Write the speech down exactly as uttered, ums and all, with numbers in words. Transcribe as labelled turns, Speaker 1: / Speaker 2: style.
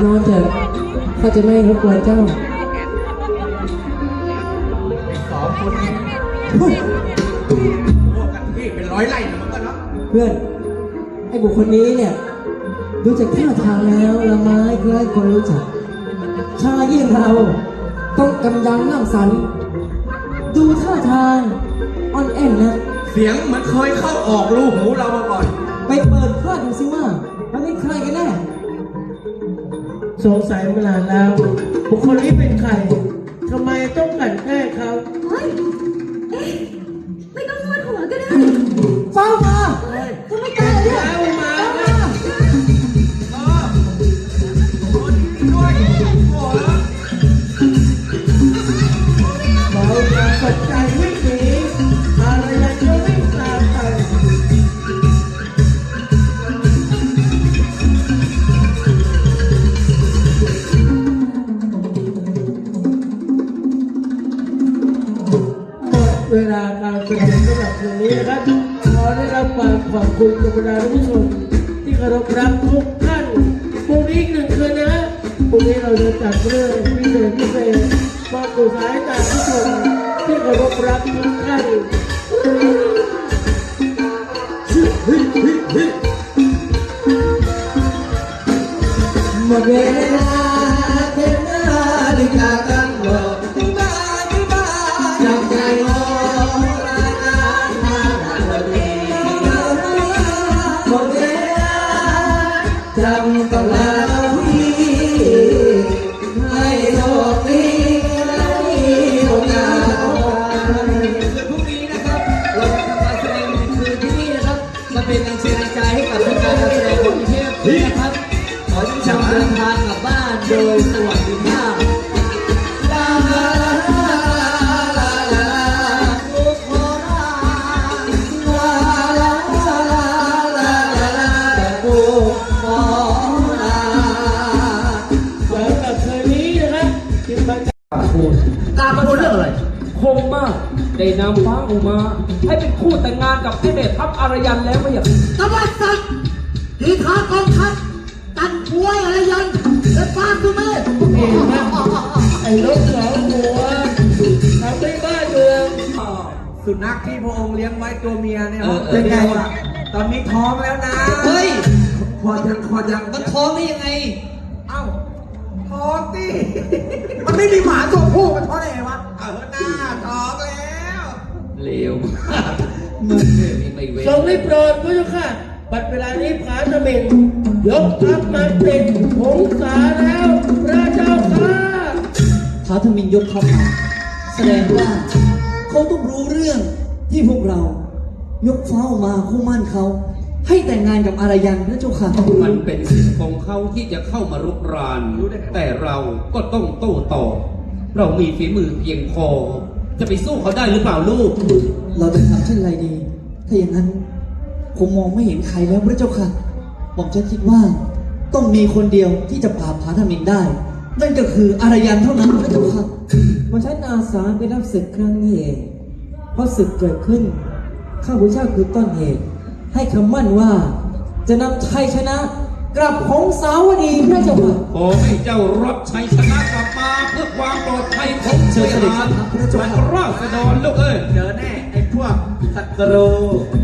Speaker 1: นอนเถอะข้าจะไม่รบกวนเจ้า
Speaker 2: สองคนนี้พวกกันที่เป็นร้อยไร่นะมันก็เนาะ
Speaker 1: เพื่อนไอ้บุคคลนี้เนี่ยดูจากท่าทางแล้วละไม้คล้ายคนรู้จักชายยิ่งเราต้องกำยังนั่งสันดูท่าทางอ่อนแอนนะ
Speaker 2: เสียงเหมือนเคยเข้าออกรูหูเรามาก่อน
Speaker 1: ไปเปิดข้าดูสิว่ามันเป็นใครกันแน่
Speaker 3: สงสัยมานานแล้วบุคคลนี้เป็นใครทำไมต้องกลั่นแกล้งเขา
Speaker 4: เฮ้ยเอ๊ะไม่ต้องนวดหัวก็ได้
Speaker 1: เฝ้ามา
Speaker 4: ทำไมตายเลย
Speaker 3: เฝ้ามาเราจะสนใจวิ่งหนีอะไรยังจะวิ่งตามไปเวลาการแสดงสำหรับคืนนี้นะครับขอได้รับความขอบคุณกับบรรดาผู้ชมที่เคารพรักทุกท่านพรุ่งนี้อีกหนึ่งคืนนะพรุ่งนี้เราจะจัดเรื่องพิเศษพิเศษมาสู่สายตาผู้ชมที่เคารพรักทุกท่าน
Speaker 1: หมดเวลาเป็นนาฬิกาตั้งรอที่บ้านที่บ้านจำใจรอจำต้องลาพี่ให้โลกนี้และมีโอกาสพรุ่งนี้นะครับเราจะทำการแสดงในคืนที่นี่นะครับมาเป็นแรงเชียร์แรงใจให้กับทุกการแสดงของเทพนะครับขอให้ทุกท่านเดินทางกลับบ้านโดยสวัสดิภาพลาลาลาลาทุกคนลาลาลาลาลาลาแต่บุกขอ
Speaker 2: ตามมาดูเรื่องอะไร
Speaker 5: คงมากได้นำฟ้าอุมาให้เป็นคู่แต่งงานกับไอ้เดชทัพอารยันแล้วไม่อย่าง
Speaker 6: กบฏสัตว์ทีขากองทัพตัดหัวอารยันและฟาดตัวแม่
Speaker 3: เองนะไอ้ลูกสองหัวทำไม่บ้าเมือง
Speaker 2: สุนัขที่พระองค์เลี้ยงไว้ตัวเมียเนี่ยเป็นไงวะตอนนี้ท้องแล้วนะ
Speaker 1: เฮ้ย
Speaker 2: พอยังพอยัง
Speaker 1: มันท้องได้ยังไง
Speaker 2: เอ้าท้องดิมันไม่มีหมาตัวผู้มันท้องได้ไงวะเออหน้าท้องแล้ว
Speaker 5: เลวมึงเนี่ยไม่เว้น
Speaker 3: ทรงได้โปรดพระเจ้าค่ะบัดเวลานี้ผาตะเมนยกทัพมาติดหงสาแล้วพระเจ้าค่ะ
Speaker 1: ผาทมินยกทัพมาแสดงว่าเขาต้องรู้เรื่องที่พวกเรายกฟ้ามาคู่มั่นเขาให้แต่งงานกับอารยันพระเจ้าค่ะ
Speaker 5: มันเป็นสิทธิ์ของเขาที่จะเข้ามารุกรานแต่เราก็ต้องโต้ตอบเรามีฝีมือเพียงพอจะไปสู้เขาได้หรือเปล่าลูก
Speaker 1: เราจะทำเช่นไรดีถ้าอย่างนั้นผมมองไม่เห็นใครแล้วพระเจ้าค่ะผมจะคิดว่าต้องมีคนเดียวที่จะปราบผาทมินได้นั่นก็คืออารยันเท่านั้นพระเจ้าค่ะวันฉันอาสาไปรับศึกครั้งนี้เองเพราะศึกเกิดขึ้นข้าพเจ้าคือต้นเหตุให้คำมั่นว่าจะนำชัยชนะกลับของสาวดีพระเจ้าค่ะ
Speaker 5: ขอให้เจ้ารับชัยชนะกลับมาเพื่อความปลอดภัยของเชื้อชาติและราษฎรลูกเอ้ย
Speaker 2: เจอแน่ไอ้พวกศัตรู